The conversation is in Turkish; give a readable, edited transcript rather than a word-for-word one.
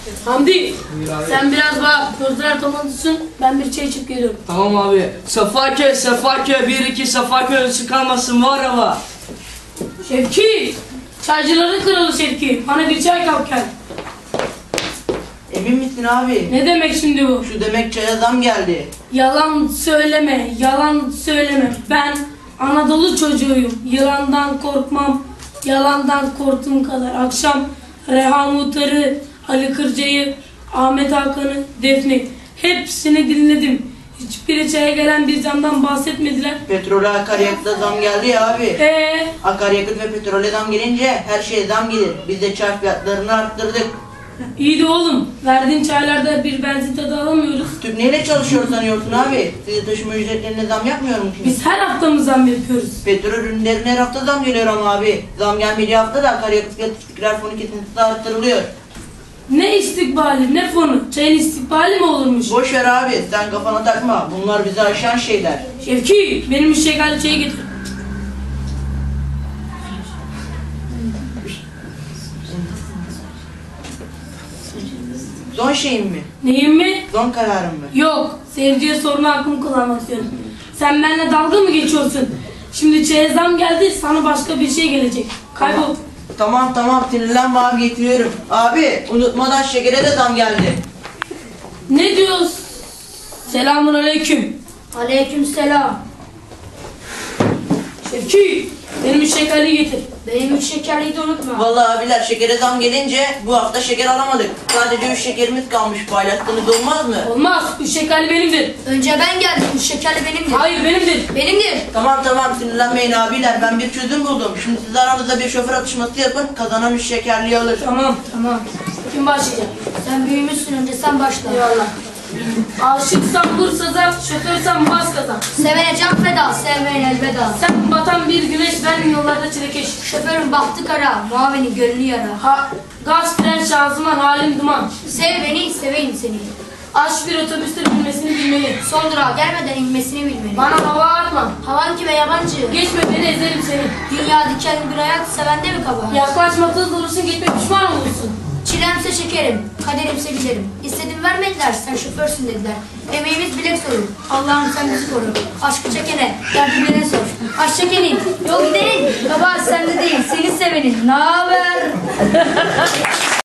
Hamdi, sen biraz bak, gözler toplansın, ben bir çay içip geliyorum. Tamam abi. Safaköy, 1-2 Safaköy kalmasın var ama. Şevki, çaycıların kralı Şevki, bana bir çay kap gel. Emin misin abi? Ne demek şimdi bu? Şu demek çaya zam geldi. Yalan söyleme, yalan söyleme. Ben Anadolu çocuğuyum, yılandan korkmam, yalandan korktuğum kadar. Akşam Reha Muhtar'ı, Ali Kırca'yı, Ahmet Hakan'ı, Defne hepsini dinledim. Hiçbiri çaya gelen bir zamdan bahsetmediler. Petrole akaryakıta zam geldi ya abi. Akaryakıt ve petrole zam gelince her şeye zam gelir. Biz de çay fiyatlarını arttırdık. İyi de oğlum, verdiğin çaylarda bir benzin tadı alamıyoruz. Tüp neyle çalışıyor sanıyorsun abi? Size taşıma ücretlerine zam yapmıyor mu şimdi? Biz her hafta mı zam yapıyoruz? Petrol ürünlerine her hafta zam geliyor ama abi. Zam gelmediği hafta da akaryakıt fiyat istikrar fonu kesintisi arttırılıyor. Ne istikbali, ne fonu? Çayın istikbali mi olurmuş? Boş ver abi, sen kafana takma. Bunlar bizi aşan şeyler. Şevki, benim şekerli çayı getir. Son şeyim mi? Neyim mi? Son kararım mı? Yok, seyirciye sorma hakkımı kullanmak istiyorum. Sen benimle dalga mı geçiyorsun? Şimdi çaya zam geldi, sana başka bir şey gelecek. Kaybol. Tamam, sinirlenme abi, getiriyorum. Abi, unutmadan şekere de zam geldi. Ne diyorsun? Selamun aleyküm. Aleykümselam. Şevki, benim şekerli getir. Benim 3 şekerliyi de unutma. Vallahi abiler, şekere zam gelince bu hafta şeker alamadık. Sadece 3 şekerimiz kalmış, paylaştığınız olmaz mı? Olmaz, bu şekerli benimdir. Önce ben geldim. 3 şekerli benimdir. Hayır, benimdir. Benimdir. Tamam, sinirlenmeyin abiler, ben bir çözüm buldum. Şimdi siz aranızda bir şoför atışması yapın, kazanan 3 şekerliği alır. Tamam. Tamam. Kim başlayacak? Sen büyümüşsün, önce sen başla. Eyvallah. Aşıksan vur saza, şoförsen bas gaza. Sevene can feda, sevmeyen elveda. Sen batan bir güneş, ben yollarda çilekeş. Şoförün bahtı kara, muavini gönlü yara. Gaz, fren, şanzıman, halim duman. Sev beni, seveyim seni. Aç bir otobüste binmesini bilmeli. Son durağa gelmeden inmesini bilmeli. Bana hava atma. Havan kime yabancı? Geçme beni, ezerim seni. Dünya dikenli bir hayat, sevende mi kabahat? Yaklaşma, tız olursun, gitme pişman olursun. Çilemse şekerim, kaderimse giderim. İstedim vermediler, sen şoförsün dediler. Emeğimiz bilek sorur, Allah'ım sen bizi koru. Aşkı çekene, derdi bilene sor. Aşk çekenin, yol gidenin, kabahat sende değil, seni sevenin. Naber?